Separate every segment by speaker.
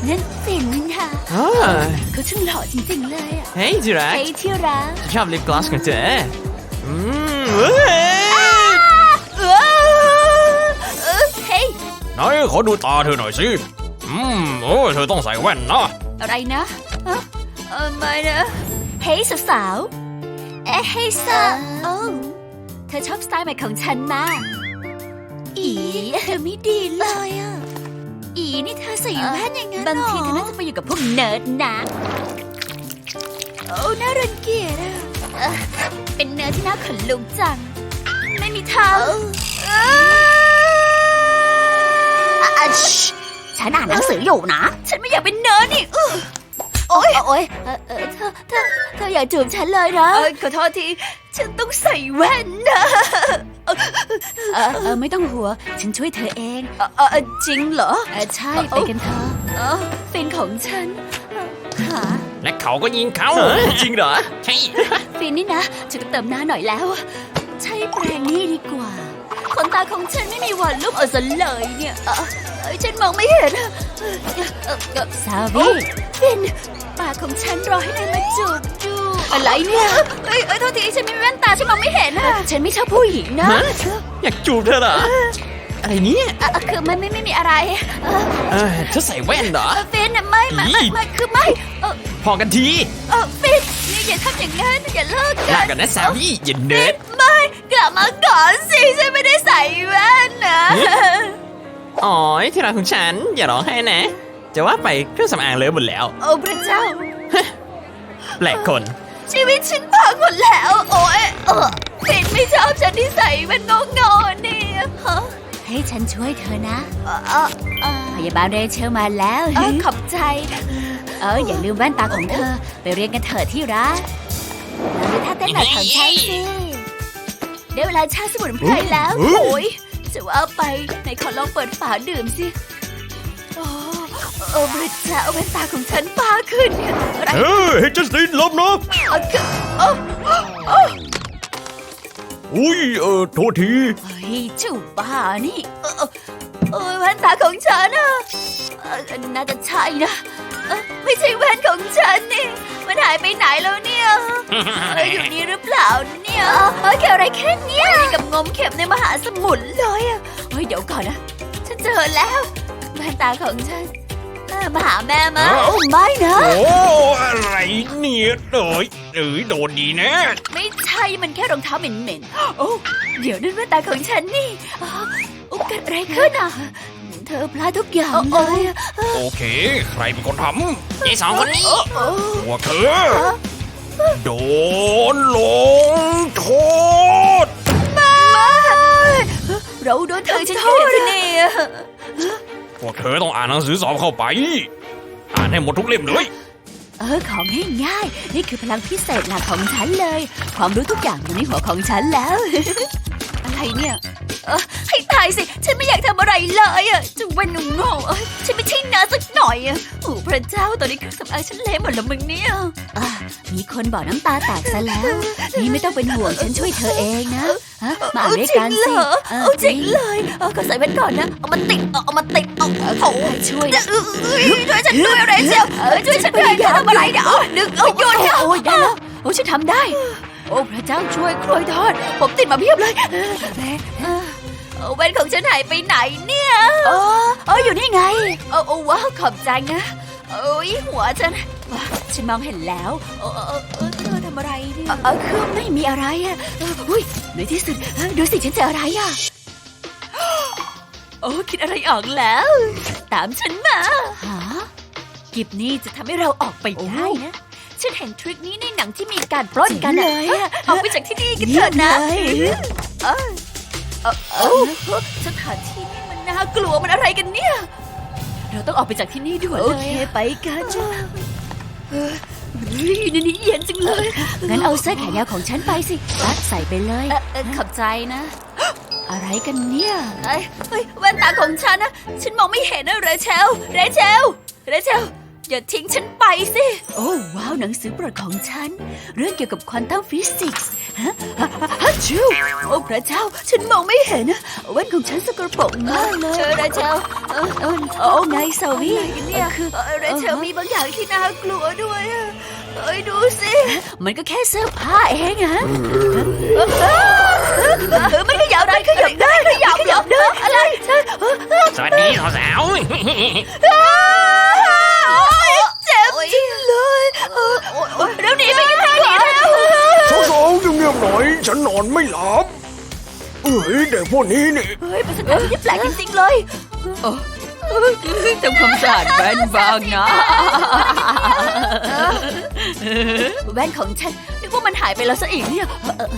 Speaker 1: นั่นฟินค่ะ เขาช่างหล่อจริงๆเลยอ่ะ
Speaker 2: เฮ้ยที่รัก
Speaker 1: เฮ้ยที่รัก
Speaker 2: ชอบลิปกลอสของเธอ
Speaker 1: เฮ้ย
Speaker 3: ไหนขอดูตาเธอหน่อยสิเธอต้องใส่แว่นนะ
Speaker 1: อะไรนะไม่นะเฮ้ยสาวๆเฮ้ยสาวโอ้เธอชอบสไตล์ใหม่ของฉันมาอีเธอไม่ดีเลยอ่ะอีนี่เธอใส่แว่นอย่างนั้นบางทีเธอน่าจะไปอยู่กับพวกเนิร์ดนะโอ้น่ารังเกียจอ่ะเป็นเนิร์ดที่น่าขนลุกจังไม่มีทางฉันอ่านหนังสืออยู่นะฉันไม่อยากเป็นเนิร์ดนี่โอ๊ยเธออย่าจูบฉันเลยนะขอโทษทีฉันต้องใส่แว่นนะไม่ต้องหัวฉันช่วยเธอเองจริงเหรอใช่ไปกันเถอะฟินของฉันค่ะ
Speaker 3: และเขาก็ยิงเขา
Speaker 2: จริงเหรอ
Speaker 3: ใช่
Speaker 1: ฟินนี่นะฉันก็เติมหน้าหน่อยแล้วใช้แปรงนี่ดีกว่าขนตาของฉันไม่มีวันลุกซะเลยเนี่ยฉันมองไม่เห็นซาวีฟินปากของฉันรอให้นายมาจูบดูอะไรเนี่ยโทษทีฉันไม่มีแว่นตาฉันมองไม่เห็นฉันไม่ชอบผู้หญิงนะ
Speaker 2: อยากจูบเธอเหรอ อะไรเนี่ย
Speaker 1: คือไม่มีอะไร
Speaker 2: เธอใส่แว่นเหรอ
Speaker 1: ฟินไม่คือไม่
Speaker 2: พอกันที
Speaker 1: ฟินนี่อย่าทำอย่างนั้นอย่าเลิก
Speaker 2: ลากันนะสาวี่อย่าเนิร์ด
Speaker 1: ไม่กลับมาก่อนสิฉันไม่ได้ใส่แว่นนะ
Speaker 2: อ๋อที่รักของฉันอย่าร้องไห้นะ จะว่าไปเครื่องสำอางเลอะหมดแล้ว
Speaker 1: โอ้พระเจ้า
Speaker 2: แปลกคน
Speaker 1: ชีวิตฉันพังหมดแล้วโอ้ยฟินไม่ชอบฉันที่ใส่แว่นงอๆนี่ให้ฉันช่วยเธอนะพยาบาลเรเชลมาแล้วขอบใจอย่าลืมแว่นตาของเธอไปเรียนกันเถอะที่รักแล้วถ้าเต้นแบบของฉันสิได้เวลาชาสมุนไพรแล้วโอ้ยจะว่าไปไหนขอลองเปิดฝาดื่มสิบริจาคแว่นตาของฉันฟ้าขึ้นอะไร
Speaker 3: ให้จัสตินลบนะโทษที
Speaker 1: จู่บ้านี่แว่นตาของฉันน่าจะใช่นะไม่ใช่แว่นของฉันนี่มันหายไปไหนแล้วเนี่ยอยู่นี่หรือเปล่าเนี่ยแค่อะไรแค่เนี้ยกับงมเข็มในมหาสมุทรเลยเดี๋ยวก่อนนะฉันเจอแล้วแว่นตาของฉันมาหาแม่มาไม่นะ
Speaker 3: อะไรเนี่ยโดนดีนะ
Speaker 1: ไม่ใช่มันแค่รองเท้าเหม็นๆเดี๋ยวนั่นแว่นตาของฉันนี่เกิดอะไรขึ้นเธอพลาดทุกอย่างเลย
Speaker 3: โอเคใครเป็นคนทำ
Speaker 2: ไอ้สองคนนี้
Speaker 3: พวกเธอโดนลงโทษ
Speaker 1: เราโดนเธอโทษเนี่ย
Speaker 3: พวกเธอต้องอ่านหนังสือสอบเข้าไปอ่านให้หมดทุกเล่มเลย
Speaker 1: ของง่ายๆนี่คือพลังพิเศษหลักของฉันเลยความรู้ทุกอย่างอยู่ในหัวของฉันแล้ว อะไรเนี่ยให้ตายสิฉันไม่อยากทำอะไรเลยจะวันงงฉันไม่ใช่นาสักหน่อยโอ้พระเจ้าตอนนี้เครื่องสำอางฉันเละหมดแล้วมึงเนี่ยมีคนบอกน้ำตาแตกซะแล้วนี่ไม่ต้องเป็นห่วงฉันช่วยเธอเองนะมาด้วยกันสิจริงเลยก็ใส่แว่นก่อนนะเอามาติดโถ่ช่วยฉันด้วยเรเชลช่วยฉันด้วยอย่าทำอะไรเดี๋ยวดึงโยนโอ้ยได้แล้วฉันทำได้โอ้พระเจ้าช่วยกล้วยทอดผมติดมาเพียบเลยแว่นของฉันหายไปไหนเนี่ยอยู่นี่ไงว้าวขอบใจนะหัวฉันมองเห็นแล้วเธอทำอะไรเนี่ยคือไม่มีอะไรในที่สุดดูสิฉันเจออะไรคิดอะไรออกแล้วตามฉันมากิบนี่จะทำให้เราออกไปได้นะฉันเห็นทริคนี้ในหนังที่มีการปล้นกันเลยออกไปจากที่นี่กันเถอะนะสถานที่นี่มันน่ากลัวมันอะไรกันเนี่ยเราต้องออกไปจากที่นี่ด่วนเลยโอเคไปกันนี่เย็นจังเลยงั้นเอาเสื้อแขนยาวของฉันไปสิใส่ไปเลยขอบใจนะอะไรกันเนี่ยแว่นตาของฉันนะฉันมองไม่เห็นนะเรเชลอย่าทิ้งฉันไปสิ โอ้ว้าวหนังสือโปรดของฉัน เรื่องเกี่ยวกับควอนตัมฟิสิกส์ฮัชิวโอ้พระเจ้าฉันมองไม่เห็นนะแว่นของฉันสกปรกมากเลยเชอราเชลโอ้ไงสาวีเนี่ยคือราเชลมีบางอย่างที่น่ากลัวด้วยดูสิมันก็แค่เสื้อผ้าเองอะไม่ขยับได้ขยับได้อะไร
Speaker 3: สวัสดีสาว
Speaker 1: เจ็บจริงเลยเดี๋ยวหนีไปกันเถอะ
Speaker 3: สาวๆเงียบๆหน่อยฉันนอนไม่หลับเด็กพวกนี้นี่
Speaker 1: เฮ้ยเป็นสถานที่แปลกจริงๆเลยทำความสะอาดแว่นบ้างนะแว่นของฉันนึกว่ามันหายไปแล้วซะอีกเนี่ย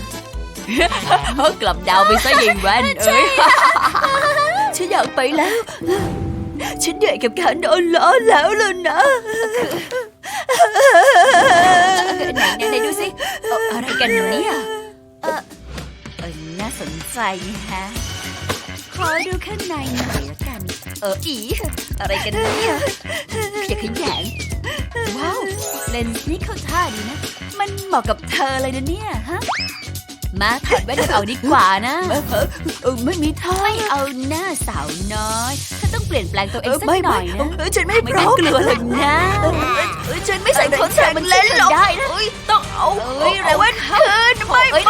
Speaker 1: กลับดาวไปซะยิงแว่นฉันอยากไปแล้วฉันเหนื่อยกับการโดนล้อแล้วล่ะนะไหนดูสิอะไรกันเนี่ยน่าสนใจฮะขอดูข้างในหน่อยละกันอะไรกันเนี่ยอย่าขยันว้าวเลนส์นี่เข้าท่าดีนะมันเหมาะกับเธอเลยนะเนี่ยฮะมาถอดแว่นกันออกดีกว่านะไม่มีท่าไม่เอาหน้าสาวน้อยเธอต้องเปลี่ยนแปลงตัวเองสักหน่อยนะฉันไม่พร้อมกลัวเลยนะฉันไม่ใส่คอนแทคเลนส์หรอกได้นะต้องเอาแว่นคืนไม่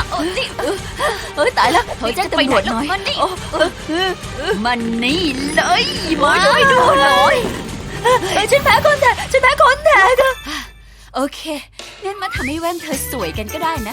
Speaker 1: ตายแล้วเธอแจ้งตำรวจหน่อยมันนี่เลยมาด้วยดูหน่อยฉันแพ้คอนแทคโอเคงั้นมาทำให้แว่นเธอสวยกันก็ได้นะ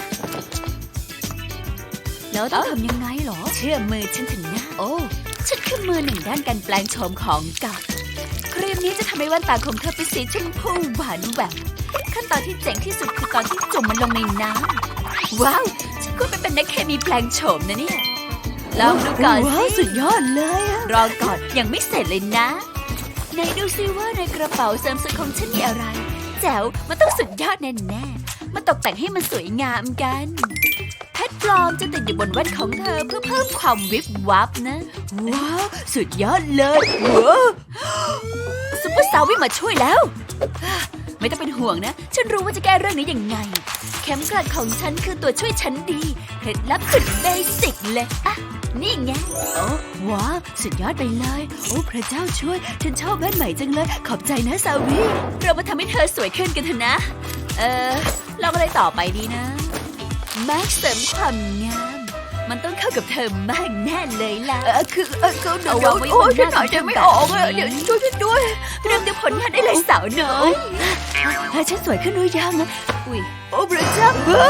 Speaker 1: แล้วต้องทำยังไงหรอเชื่อมือฉันถึงนะโอ้ฉันคือมือหนึ่งด้านการแปลงโฉมของเก่าครีมนี้จะทำให้แว่นตาของเธอเป็นสีชมพูหวานแหววขั้นตอนที่เจ๋งที่สุดคือตอนที่จุ่มมันลงในน้ำว้าวฉันก็เป็นนักเคมีแปลงโฉมนะเนี่ยลองดูก่อนสิสุดยอดเลยรอก่อนยังไม่เสร็จเลยนะไหนดูซิว่าในกระเป๋าเสริมสวยของฉันมีอะไรแจ๋วมันต้องสุดยอดแน่ๆมาตกแต่งให้มันสวยงามกันเพชรปลอมจะติดอยู่บนแว่นของเธอเพื่อเพิ่มความวิบวับนะว้าวสุดยอดเลยว้าวซุปเปอร์สตาร์วิ่งมาช่วยแล้วไม่ต้องเป็นห่วงนะฉันรู้ว่าจะแก้เรื่องนี้ยังไงเข็มกลัดของฉันคือตัวช่วยชั้นดีเคล็ดลับสุดเบสิกเลยอะนี่ไงโอ้ว้าวสุดยอดไปเลยโอ้พระเจ้าช่วยฉันชอบแว่นใหม่จังเลยขอบใจนะซาวีเรามาทำให้เธอสวยขึ้นกันเถอะนะลองอะไรต่อไปดีนะแม็กเสริมความงามมันต้องเข้ากับเธอมากแน่เลยล่ะคือเดี๋ยวโอ้ยฉันหายใจไม่ออกเลยเดี๋ยวช่วยฉันด้วยเริ่มดูผลงานได้เลยสาวน้อยฉันสวยขึ้นหรือยังนะอุ้ยโอ้พระเจ้า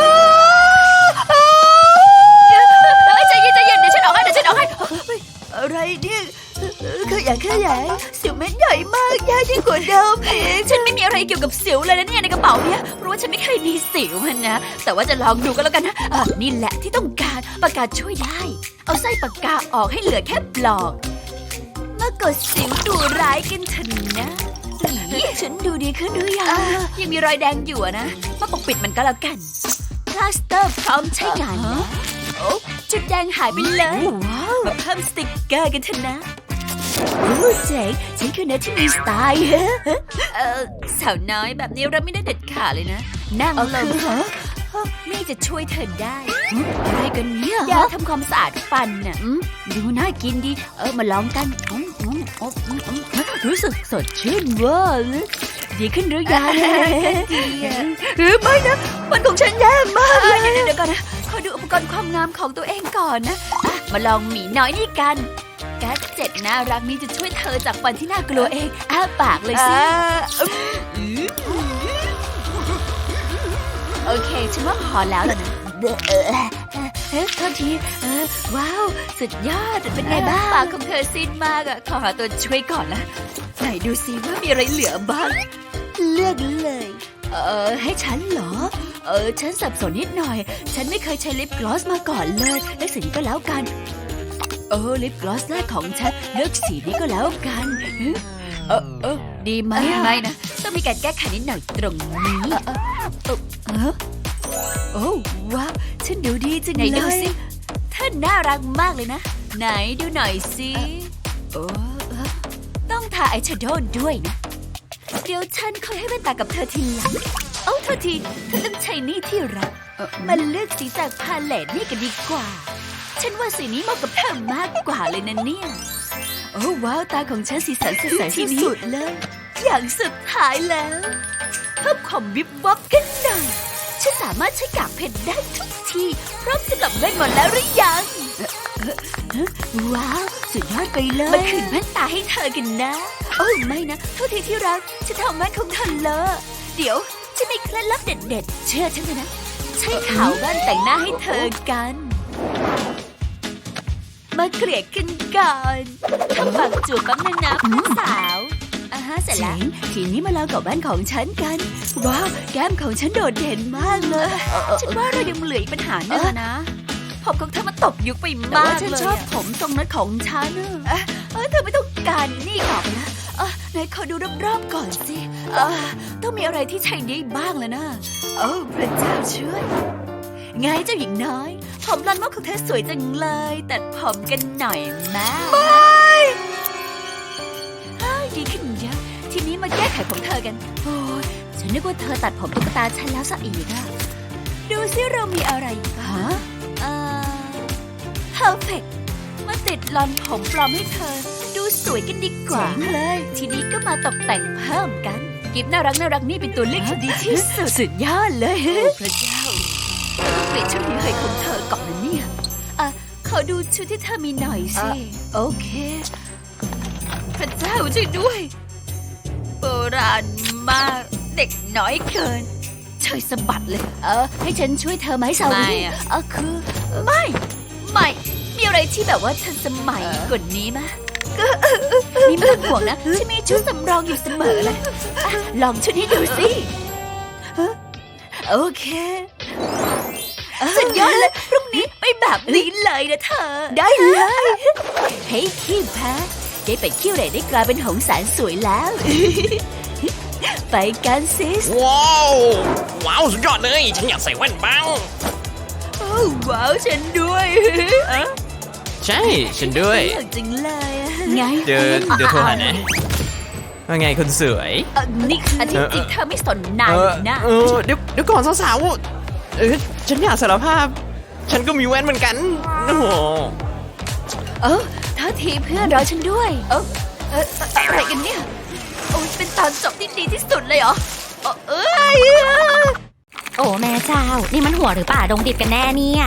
Speaker 1: ใจเย็นเดี๋ยวฉันออกให้อะไรเนี่ยขยายสิวเม็ดใหญ่มากใหญ่ยิ่งกว่าเดิมอีกฉันไม่มีอะไรเกี่ยวกับสิวเลยนะเนี่ยในกระเป๋าเนี่ยเพราะว่าฉันไม่เคยมีสิวนะแต่ว่าจะลองดูก็แล้วกันนะนี่แหละที่ต้องการปากกาช่วยได้เอาไส้ปากกาออกให้เหลือแค่ปลอกมากดสิวดูร้ายกันเถอะนะฉันดูดีขึ้นหรือยังมีรอยแดงอยู่นะมาปกปิดมันก็แล้วกันพลาสเตอร์พร้อมใช้งานแล้วโอ้จุดแดงหายไปเลยมาเพิ่มสติกเกอร์กันเถอะนะเจ๋งฉันคือเนื้อที่มีสไตล์สาวน้อยแบบนี้เราไม่ได้เด็ดขาดเลยนะนั่งลงนี่จะช่วยเธอได้อะไรกันเนี่ยยาทำความสะอาดฟันน่ะดูน่ากินดีมาลองกันรู้สึกสดชื่นเวอร์ดีขึ้นหรือยังไม่นะมันของฉันแย่มากเดี๋ยวก่อนนะขอดูอุปกรณ์ความงามของตัวเองก่อนนะมาลองหมีน้อยนี่กันแก๊สเจ็ดน่ารักนี้จะช่วยเธอจากฟันที่น่ากลัวเองอ้าปากเลยสิโอเคฉันว่าพอแล้วล่ะนะโทษทีว้าวสุดยอดเป็นไงบ้างปากของเธอซีดมากขอหาตัวช่วยก่อนนะไหนดูซิว่ามีอะไรเหลือบ้างเลือกเลยให้ฉันเหรอฉันสับสนนิดหน่อยฉันไม่เคยใช้ลิปกลอสมาก่อนเลยเลือกสีนี้ก็แล้วกันลิปกลอสแรกของฉันเลือกสีนี้ก็แล้วกันดีไหมไม่นะต้องมีการแก้ไขนิดหน่อยตรงนี้โอ้ว้าวฉันดูดีจังเลยไหนดูสิท่านน่ารักมากเลยนะไหนดูหน่อยสิต้องทาอายแชโดว์ด้วยนะเดี๋ยวฉันคอยให้แว่นตากับเธอทีหลังโอ้เธอทีเธอต้องใช้นี่ที่รักมันเลือกสีจากพาเลตนี่กันดีกว่า ฉันว่าสีนี้เหมาะกับเธอมากกว่าเลยนะเนี่ยโอ้ว้าวตาของฉันสีสันสดใสที่สุดเลย อย่างสุดท้ายแล้วเพิ่มความวิบวับกันหน่อยฉันสามารถใช้กากเพชรได้ทุกทีพร้อมสำหรับแว่นหมดแล้วหรือยังว้าวสุดยอดไปเลยมาคืนแว่นตาให้เธอกันนะโอ้ไม่นะโทษทีที่รักฉันทำแว่นของเธอเลอะเดี๋ยวฉันมีเคล็ดลับเด็ดๆเชื่อฉันเถอะนะใช้ขาวแว่นแต่งหน้าให้เธอกันมาเกลี่ยกันก่อนทำปากจูบแป๊บนึงนะพี่สาวเสร็จแล้วทีนี้มาลองกับแว่นของฉันกันว้าวแก้มของฉันโดดเด่นมากเลยฉันว่าเรายังเหลืออีกปัญหาหนึ่งนะผมของเธอมาตกยุคไปมากเลยฉันชอบผมทรงนั้นของฉันเธอไม่ต้องการนี่หรอกนะไหนขอดูรอบๆก่อนสิต้องมีอะไรที่ใช้ได้บ้างแล้วนะโอ้พระเจ้าช่วยไงเจ้าหญิงน้อยผมลอนมอกของเธอสวยจังเลยตัดผมกันหน่อยแม่ดีขึ้นเยอะทีนี้มาแก้ไขผมเธอกันโอ้ยฉันนึกว่าเธอตัดผมตุ๊กตาฉันแล้วซะอีกดูซิเรามีอะไรบ้างperfect มาติดลอนผมปลอมให้เธอดูสวยกันดีกว่าเลยทีนี้ก็มาตกแต่งเพิ่มกันกิฟน่ารักนี่เป็นตัวเลือกที่ดีที่สุดสุดยอดเลยพระเจ้าเปลี่ยนชุดนี้ให้ของเธอก่อนนะเนี่ยขอดูชุดที่เธอมีหน่อยสิโอเคพระเจ้าช่วยด้วยโบราณมากเด็กน้อยเกินช่วยสะบัดเลยให้ฉันช่วยเธอไหมสาวนี่คือไม่มีอะไรที่แบบว่าทันสมัยกว่านี้มะนี่ไม่ต้องห่วงนะฉันมีชุดสำรองอยู่เสมอเลยลองชุดนี้ดูสิโอเคสุดยอดเลยพรุ่งนี้ไปแบบนี้เลยนะเธอได้เลยเฮ้ยขี้แพ้ได้ไปขี้เหร่ได้กลายเป็นหงส์แสนสวยแล้ว ไปกันซิส
Speaker 3: ว้าวสุดยอดเลยฉันอยากใส่แว่นบ้าง
Speaker 1: ว้าวฉันด้วย
Speaker 2: ใช่ฉันด้วย
Speaker 1: จริงเลยไง
Speaker 2: เดี๋ยวโทรหานะว่าไงคุณสวย
Speaker 1: นี่อาทิตย์จริงเธอไม่สนนายนะ
Speaker 2: เดี๋ยวก่อนสาวๆฉันอยากสารภาพฉันก็มีแว่นเหมือนกันโอ้โห
Speaker 1: เท่าทีเพื่อนรอฉันด้วยอะไรกันเนี่ยโอ้เป็นตอนจบที่ดีที่สุดเลยเหรอ
Speaker 4: โอ้แม่เจ้านี่มันหัวหรือป่าดงดิบกันแน่เนี่ย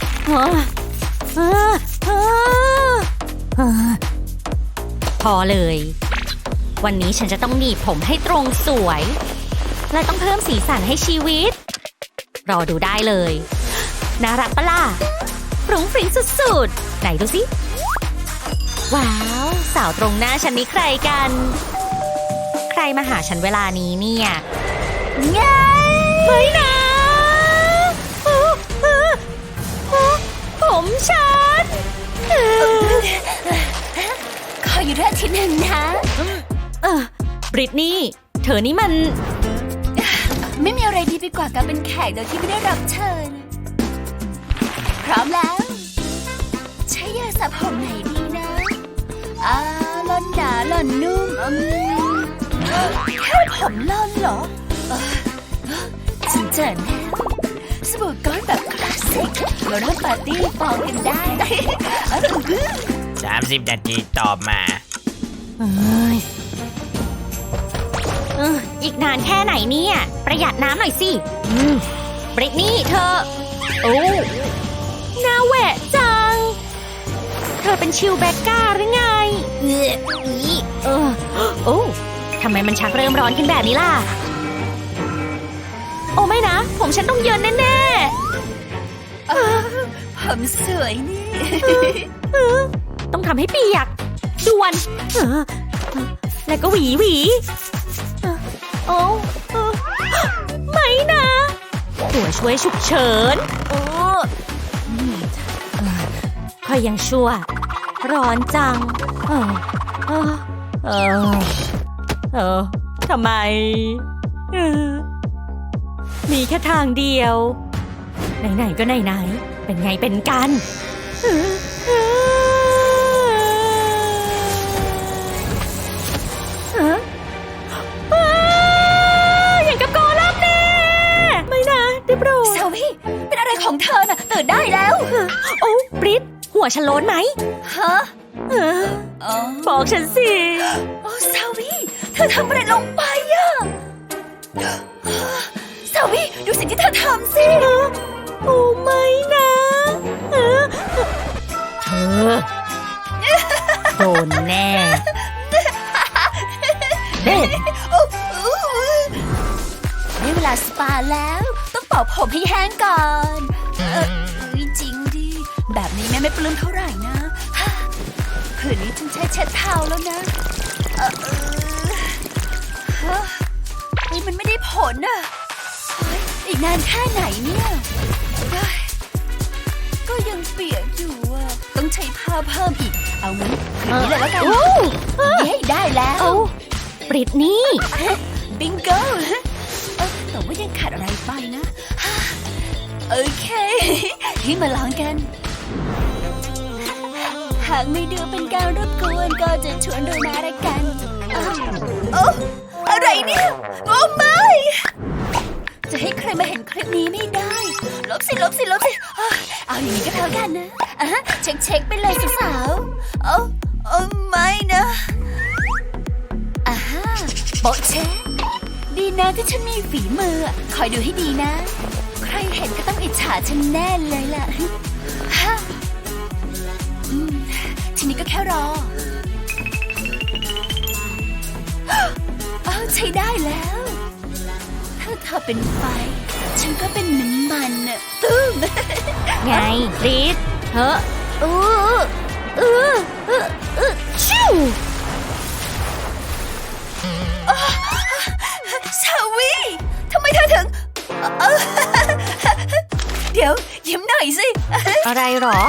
Speaker 4: พอเลยวันนี้ฉันจะต้องหนีบผมให้ตรงสวยและต้องเพิ่มสีสันให้ชีวิตรอดูได้เลยน่ารักปะล่ะฟรุ้งฟริ้งสุดๆไหนดูสิว้าวสาวตรงหน้าฉันนี่ใครกันใครมาหาฉันเวลานี้เนี่ย
Speaker 1: ไง
Speaker 4: ไม่นะผมฉัน
Speaker 1: ขออยู่ด้วยทีหนึ่งนะ
Speaker 4: บริตนี่เธอนี่มัน
Speaker 1: ไม่มีอะไรดีไปกว่าการเป็นแขกโดยที่ไม่ได้รับเชิญพร้อมแล้วใช้ยาสระผมไหนดีนะล่อนหนาล่อนนุ่มแค่ผมล่อนเหรอฉันเจอแล้วสบู่ก้อนแบบคลาสสิกมาเริ่มปาร์ตี้ฟองกันได้
Speaker 3: 30 นาทีต่อมา
Speaker 4: อีกนานแค่ไหนเนี่ยประหยัดน้ำหน่อยสิบริตนี่เธอโอ้น่าแหวะจังเธอเป็นชิลแบกก้าหรือไงโอ้ทำไมมันชักเริ่มร้อนขึ้นแบบนี้ล่ะโอ้ไม่นะผมฉันต้องเยินแน่
Speaker 1: ๆผมสวยนี่
Speaker 4: ต้องทำให้เปียกด่วนแล้วก็หวีโอ้ไม่นะตัวช่วยฉุกเฉินค่อยยังชั่วร้อนจังทำไมมีแค่ทางเดียวไหนๆก็ไหนๆเป็นไงเป็นกัน
Speaker 1: ตื่นได้แล้ว
Speaker 4: โอ้บริตหัวฉันโล้นไหม
Speaker 1: ฮะ
Speaker 4: เออ
Speaker 1: อ๋อ
Speaker 4: บอกฉันสิ
Speaker 1: โอ้สาวีเธอทำอะไรลงไปอะสาวีดูสิ่งที่เธอทำสิ
Speaker 4: โอ้ไม่นะเออเธอโดนแน่เด็ด
Speaker 1: ได้เวลาสปาแล้ว ต้องเป่าผมให้แห้งก่อนจริงดิแบบนี้แม่ไม่ปลื้มเท่าไหร่นะคืนนี้ฉันใช้เช็ดเท้าแล้วนะเฮ้ยมันไม่ได้ผลอ่ะเฮ้ยอีกนานแค่ไหนเนี่ยเฮ้ยก็ยังเปียกอยู่อ่ะต้องใช้ผ้าเพิ่มอีกเอางั้นคืนนี้เลยแล้วกันเย้ได้แล้ว
Speaker 4: เอาบริตนี่
Speaker 1: บิงโกแต่ว่ายังขาดอะไรไปนะ โอเคที่มาลองกัน หากไม่ดูเป็นการรบกวนก็จะชวนดูมาละกันโอ้อะไรเนี่ยโอ้ไม่จะให้ใครมาเห็นคลิปนี้ไม่ได้ลบสิเอาอย่างนี้ก็แล้วกันนะเช็คไปเลยสาวๆโอ้ไม่นะโปะเช็คดีนะที่ฉันมีฝีมือคอยดูให้ดีนะใครเห็นก็ต้องอิจฉาฉันแน่เลยล่ะทีนี้ก็แค่รอใช้ได้แล้วถ้าเธอเป็นไฟฉันก็เป็นน้ำมันน่ะตุ้ม
Speaker 4: ไงบริตเฮ้ชิว
Speaker 1: ชาวีทำไมเธอถึงเดี๋ยวยิ้มหน่อยสิ
Speaker 4: อะไรหรอ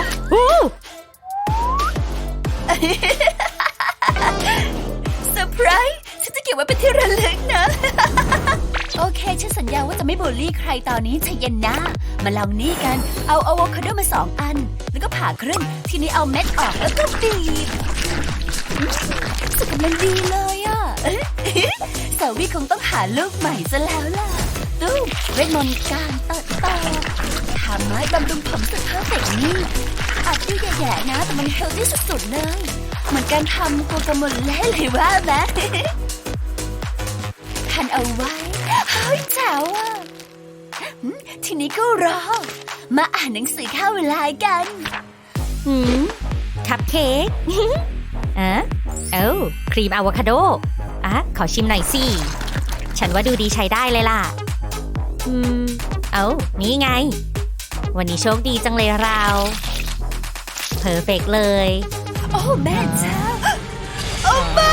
Speaker 1: เซอร์ไพรส์ฉันจะเก็บไว้เป็นที่ระลึกนะ โอเคฉันสัญญาว่าจะไม่บูลลี่ใครตอนนี้ใจเย็นนะมาลองนี่กันเอาอะโวคาโดมา2 อันแล้วก็ผ่าครึ่งทีนี้เอาเม็ดออกแล้วก็บีบสุดกำลังดีเลยอ่ะ สาวีคงต้องหาลูกใหม่ซะแล้วล่ะตู้เวทมนต์การตัดต่อทำไม้บำรุงผมสุดเพอร์เฟกต์นี่อาจดูแย่ๆนะแต่มันเฮลตี้สุดๆเลยเหมือนการทำกัวกาโมเล่เลยว่าไหม ทันเอาไว้เฮ้ยแจ๋วอ่ะทีนี้ก็รอมาอ่านหนังสือเข้าเวลากัน
Speaker 4: คัพเค้กครีมอะโวคาโดขอชิมหน่อยสิฉันว่าดูดีใช้ได้เลยล่ะนี่ไงวันนี้โชคดีจังเลยเราเพอร์เฟกต์เลย
Speaker 1: โอ้แม่เจ้าโอ้ไม่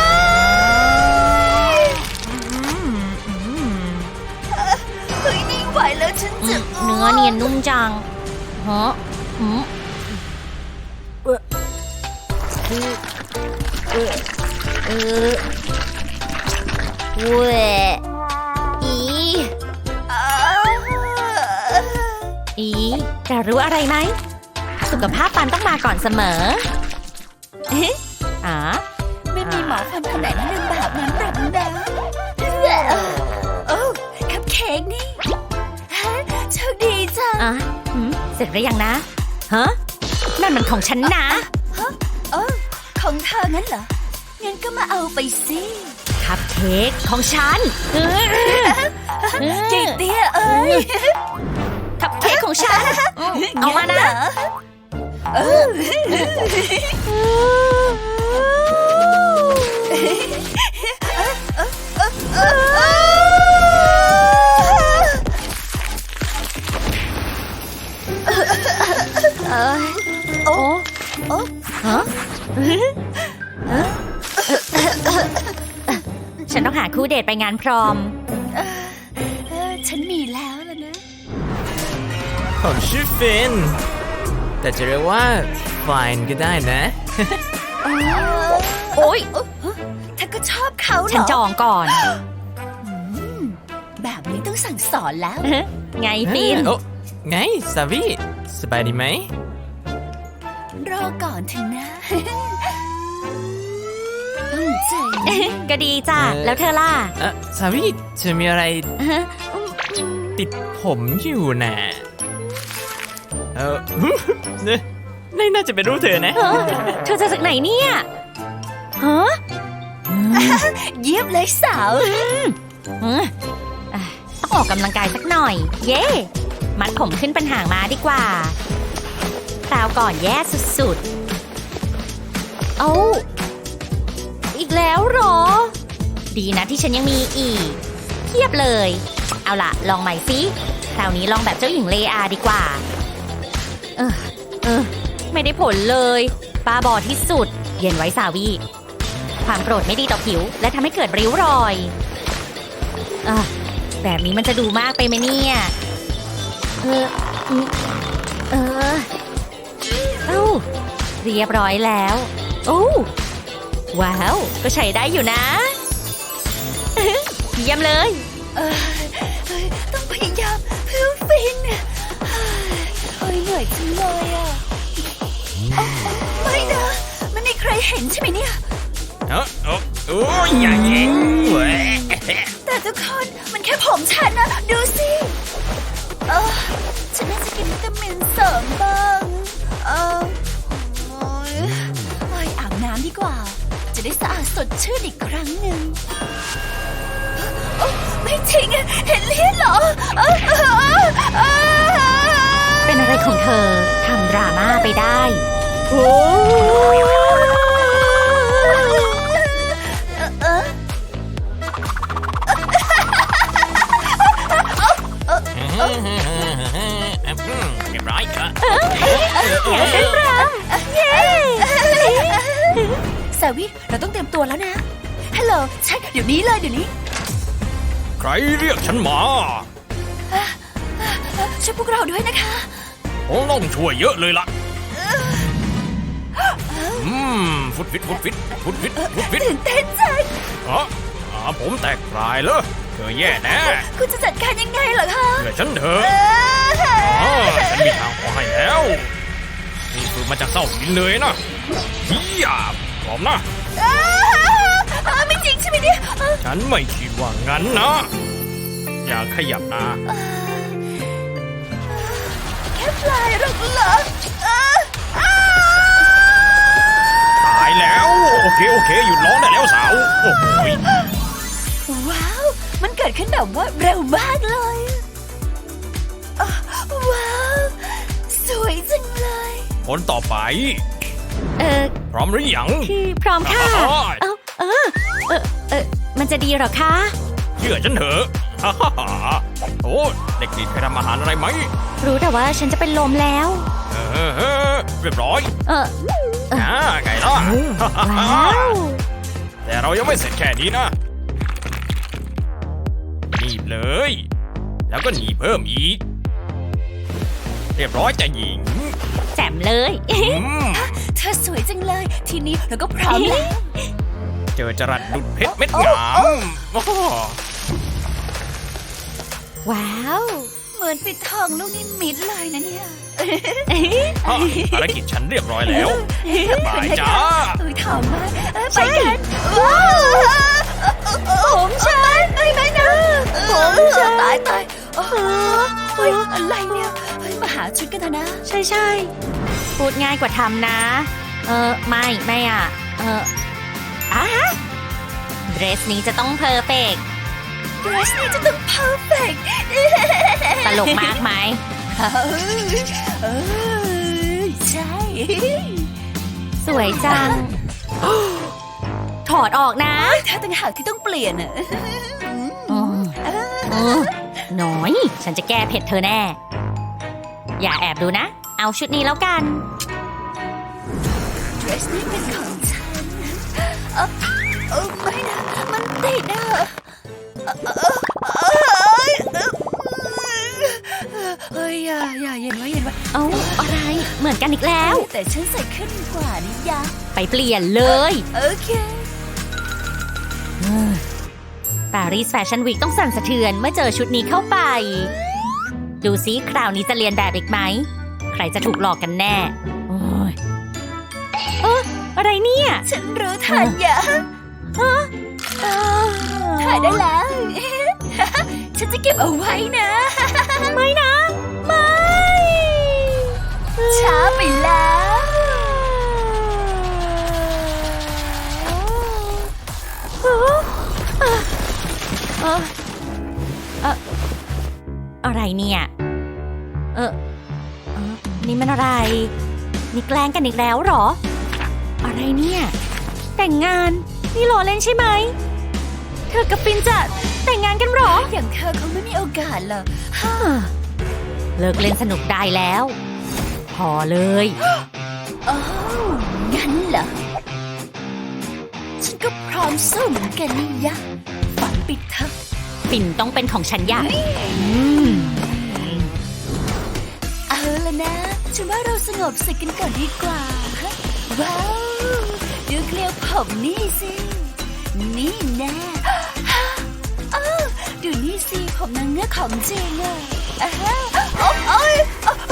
Speaker 1: เฮ้ยไม่ไหวแล้วฉันจะ
Speaker 4: เนื้อเนียนนุ่มจังฮะเว้แต่รู้อะไรไหมสุขภาพปันต้องมาก่อนเสมอ
Speaker 1: ไม่มีหมอฟันคนไหนแนะนำแบบนั้นหรอกนะโอ้คัพเค้กนี่โชคดีจัง
Speaker 4: เสร็จหรือยังนะฮะนั่นมันของฉันนะ
Speaker 1: ของเธองั้นเหรองั้นก็มาเอาไปสิ
Speaker 4: คัพเค้กของฉัน
Speaker 1: จีเตี้ยเอ้ย
Speaker 4: คัพเค้กของฉันเอามานะฉันต้องหาคู่เดทไปงานพรอม
Speaker 1: ฉันมีแล้วล่ะนะ
Speaker 2: ผมชื่อฟินแต่จะเรียกว่าไฟน์ก็ได้นะ
Speaker 4: โอ๊ย
Speaker 1: เธอก็ชอบเขาเหรอ
Speaker 4: ฉันจองก่อน
Speaker 1: แบบนี้ต้องสั่งสอนแล้ว
Speaker 4: ไงฟิน
Speaker 2: ไงซาวีสบายดีไหม
Speaker 1: รอก่อนเถอะนะตั้งใจ
Speaker 4: ก็ดีจ้ะแล้วเธอล่ะ
Speaker 2: ซาวีเธอมีอะไรติดผมอยู่น่ะนี่น่าจะเป็นรูปเธอนะ
Speaker 4: เธอจะจากไหนเนี่ยฮะ
Speaker 1: เยี่ยมเลยสาว
Speaker 4: ต้องออกกำลังกายสักหน่อย เย่มัดผมขึ้นเป็นหางม้าดีกว่าคราวก่อนแย่สุดๆ เอาอีกแล้วเหรอ ดีนะที่ฉันยังมีอีกเทียบเลย เอาล่ะ ลองใหม่สิคราวนี้ลองแบบเจ้าหญิงเลอาดีกว่า ไม่ได้ผลเลยบ้าบอที่สุด เย็นไว้สาวีความโกรธไม่ดีต่อผิว และทำให้เกิดริ้วรอยแบบนี้มันจะดูมากไปไหมเนี่ยเอ้าเรียบร้อยแล้วโอ้ว้าวก็ใช้ได้อยู่นะ เยี่ยมเลย
Speaker 1: ต้องพยายามเพื่อฟินเหนื่อยจังเลยอ่ะไม่นะมันไม่ใครเห็นใช่ไหมเนี่ย
Speaker 3: โอ้ยอย่างนี้เว้ย
Speaker 1: แต่ทุกคนมันแค่ผมฉันนะดูสิฉันน่าจะกินวิตามินเสริมบ้างอาบน้ำดีกว่าจะได้สะอาดสดชื่นอีกครั้งหนึ่งไม่จริงเห็นเลือดเหรอ
Speaker 4: เป็นอะไรของเธอทำดราม่าไปได้โอ้
Speaker 2: เรียบร้อยครับ
Speaker 1: สาวิเราต้องเตรียมตัวแล้วนะฮัลโหลใช่เดี๋ยวนี้เลยเดี๋ยวนี้
Speaker 3: ใครเรียกฉันมา
Speaker 1: ช่วยพวกเราด้วยนะคะ
Speaker 3: ผมต้องช่วยเยอะเลยล่ะฟุตฟิต
Speaker 1: ตื่นเต้นจัง
Speaker 3: ผมแตกปลายเลยเธอแย่แน่
Speaker 1: คุณจะจัดการยังไงเหรอคะ
Speaker 3: เชื่อฉันเถอะฉันมีทางออกให้แล้วนี่คือมาจากเศร้าหินเลยนะเฮียพร้อมนะ
Speaker 1: ไม่จริงใช่ไหมเนี่ย
Speaker 3: ฉันไม่คิดว่างั้นนะ อย่าขยับนะ
Speaker 1: แค่ปลายหรอกเหรอ
Speaker 3: ตายแล้วโอเคหยุดร้องได้แล้วสาวโอ้โห
Speaker 1: ว้าวมันเกิดขึ้นแบบว่าเร็วมากเลยว้าวสวยจังเลย
Speaker 3: คนต่อไปพร้อมหรือยัง
Speaker 4: คือพร้อมค่ะมันจะดีเหรอคะ
Speaker 3: เชื่อฉันเถอะโอ้เด็กดีเคยทำอาหารอะไรไหม
Speaker 4: รู้แต่ว่าฉันจะเป็นลมแล้ว
Speaker 3: เรียบร้อย ไงล่ะ
Speaker 4: ว้าว
Speaker 3: แต่เรายังไม่เสร็จแค่นี้นะหนีบเลย แล้วก็หนีบเพิ่มอีก เรียบร้อยจะหญิง
Speaker 4: แจ่มเลย
Speaker 1: เธอสวยจังเลยทีนี้เราก็พร้อมแล้ว
Speaker 3: เจอจรัสดุดเพชรเม็ดงาม
Speaker 4: ว้าว
Speaker 1: เหมือนปิดทองลูกนิมิตเลยนะเนี่ย
Speaker 3: ภารกิจฉันเรียบร้อยแล้วบายจ้า
Speaker 1: อุ้ยถามมากไปกันว้าวผมฉันไม่นะผมฉันตายเฮ้ยอะไรเนี่ยเฮ้ยมาหาชุดกันเถอะนะ
Speaker 4: ใช่พูดง่ายกว่าทำนะไม่อ่ะเดรสนี้จะต้องเพอร์เฟกต์
Speaker 1: เดรสนี้จะต้องเพอร์เฟกต์
Speaker 4: ตลกมากไหม
Speaker 1: ใช่
Speaker 4: สวยจัง ถอดออกนะ
Speaker 1: ถ้าต่างหากที่ต้องเปลี่ยนอ่ะ
Speaker 4: น้อยฉันจะแก้เผ็ดเธอแน่ อย่าแอบดูนะ เอาชุดนี้แล้วกัน
Speaker 1: เดรสนี้เป็นของฉันไม่นะมันติดอ่ะเฮ้ยอย่าเย็นไว้
Speaker 4: เอ้าอะไรเหมือนกันอีกแล้ว
Speaker 1: แต่ฉันใส่ขึ้นกว่านี่ยะ
Speaker 4: ไปเปลี่ยนเลย
Speaker 1: โอเค
Speaker 4: ปารีสแฟชั่นวีคต้องสั่นสะเทือนเมื่อเจอชุดนี้เข้าไป ดูซิคราวนี้จะเรียนแบบอีกไหม ใครจะถูกหลอกกันแน่โอ้ยอะไรเนี่ย
Speaker 1: ฉันรู้ทันยะถ่ายได้แล้ว ฉันจะเก็บเอาไว้นะ
Speaker 4: ไม่นะ ไม่
Speaker 1: ช้าไปแล้ว
Speaker 4: อะไรเนี่ยนี่มันอะไรนี่แกล้งกันอีกแล้วเหรออะไรเนี่ยแต่งงานนี่ล้อเล่นใช่ไหมเธอกับฟินจะแต่งงานกันเหรอ
Speaker 1: อย่างเธอคงไม่มีโอกาสหรอก
Speaker 4: เลิกเล่นสนุกได้แล้ว พอเลย
Speaker 1: อ๋องั้นเหรอฉันก็พร้อมสู้เหมือนกันนี่ยะฝันปิดเถอะ
Speaker 4: ฟินต้องเป็นของฉันอย่าง
Speaker 1: เอาละนะฉันว่าเราสงบศึกกันก่อนดีกว่าว้าวดูเกลียวผมนี่สินี่แน่อ้าวดูนี่สิผมนางเงือกของจริงอะโอ๊ย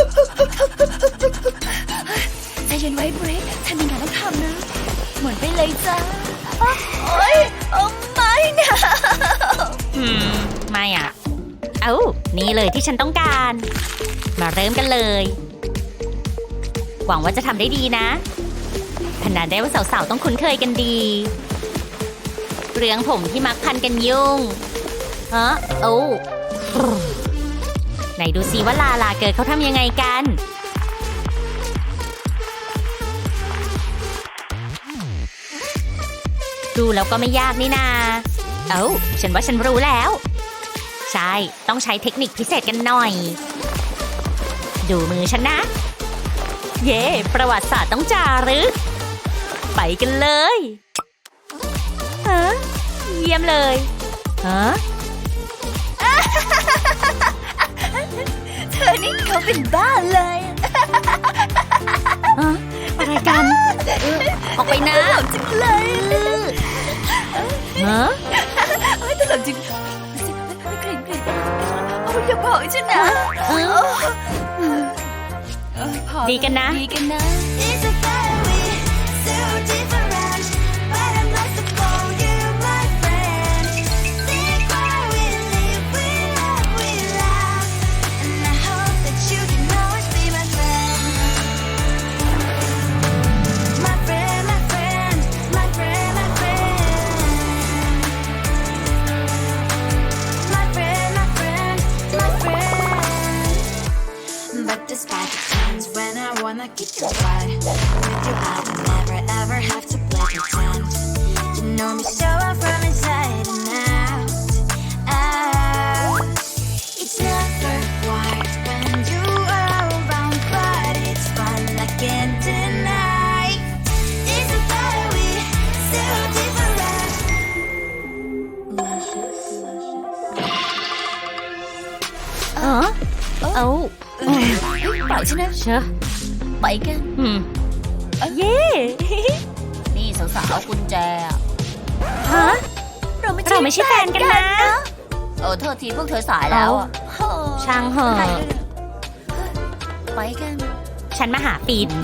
Speaker 1: ใจเย็นไว้บริกฉันมีงานต้องทำนะหมุนไปเลยจ้าโอ๊ยไม่นะ
Speaker 4: ไม่อ่ะนี่เลยที่ฉันต้องการ มาเริ่มกันเลย หวังว่าจะทำได้ดีนะขนาดได้ว่าสาวๆต้องคุ้นเคยกันดีเรื่องผมที่มักพันกันยุ่งไหนดูซิว่าลาเกิดเขาทำยังไงกันดูแล้วก็ไม่ยากนี่นาฉันว่าฉันรู้แล้วใช่ต้องใช้เทคนิคพิเศษกันหน่อยดูมือฉันนะเย่ประวัติศาสตร์ต้องจารึกไปกันเลยเยี่ยมเลย
Speaker 1: เธอนี่เขาเป็นบ้าเลย
Speaker 4: อะไรกันออกไปนะ
Speaker 1: ตลกจังเลยตลกจริงอย่าบอกฉันนะ
Speaker 4: ดีกันนะ
Speaker 5: Despite the times when I wanna get you right with you I would never ever have to play pretend You know me so well from inside and out It's never quiet when you are around But it's fun I can't deny It's a better we so different Luscious
Speaker 1: ปล่อยฉันนะ
Speaker 4: เชอะ
Speaker 1: ไปกัน
Speaker 4: เย่
Speaker 1: นี่สาวๆกุญแจเราไม่
Speaker 4: ใช่แฟนกันนะ
Speaker 1: โทษทีพวกเธอสายแล้ว
Speaker 4: ช่างเหอะ
Speaker 1: ไปกัน
Speaker 4: ฉันมาหาฟิน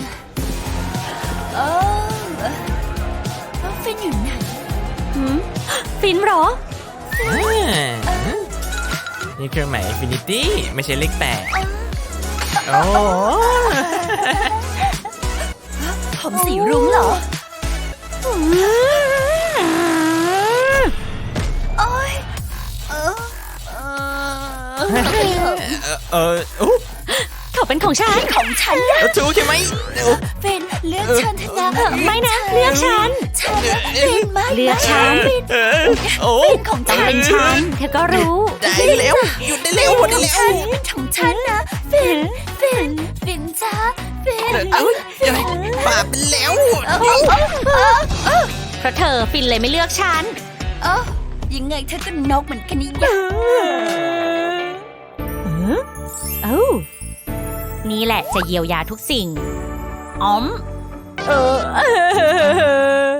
Speaker 1: ฟินอยู่ไหน
Speaker 4: ฟินเหรอ
Speaker 2: นี่เครื่องหมาย Infinity ไม่ใช่เลข8
Speaker 1: ผมสีรุ้งเหรอโอ๊ย
Speaker 4: เขาเป็นของฉัน
Speaker 2: ถูกใช่ไหม
Speaker 1: เป็นเลือกฉันเถอะนะ
Speaker 4: ไม่นะเลือกฉัน
Speaker 1: เป็นไม่
Speaker 4: เลือกฉัน
Speaker 1: เป็นของฉัน
Speaker 4: เป็นฉันเธอก็รู้
Speaker 2: ได้แล้วหยุดได้แล้วหมดได้แล้ว
Speaker 1: เป็นของฉันนะเป็นจ้าเป็น
Speaker 2: บาปเป็นแล้ว
Speaker 4: เพราะเธอฟินเลยไม่เลือกฉัน
Speaker 1: ยังไงเธอก็นกเหมือนกันนี่
Speaker 4: นี่แหละจะเยียวยาทุกสิ่ง